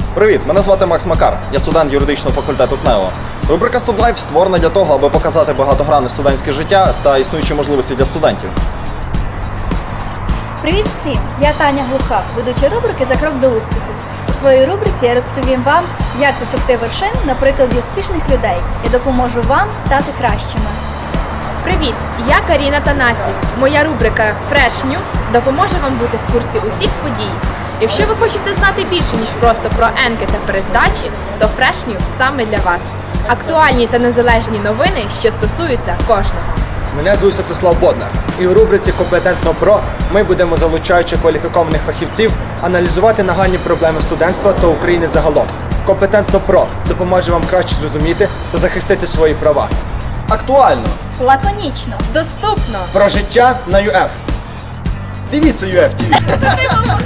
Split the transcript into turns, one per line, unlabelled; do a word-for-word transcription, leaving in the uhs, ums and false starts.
Привіт, мене звати Макс Макар, я студент юридичного факультету КНЕО. Рубрика StudLife створена для того, аби показати багатогранне студентське життя та існуючі можливості для студентів.
Привіт всім! Я Таня Глуха, ведуча рубрики «За крок до успіху». У своїй рубриці я розповім вам, як досягти вершин на прикладі успішних людей і допоможу вам стати кращими.
Привіт! Я Каріна Танасів. Моя рубрика Fresh News допоможе вам бути в курсі усіх подій. Якщо ви хочете знати більше, ніж просто про енки та перездачі, то Fresh News саме для вас. Актуальні та незалежні новини, що стосуються кожного.
Мене звуть Святослав Боднар, і у рубриці «Компетентно ПРО» ми будемо, залучаючи кваліфікованих фахівців, аналізувати нагальні проблеми студентства та України загалом. «Компетентно ПРО» допоможе вам краще зрозуміти та захистити свої права.
Актуально!
Лаконічно!
Доступно!
Про життя на ю еф.
Дивіться ю еф ті ві!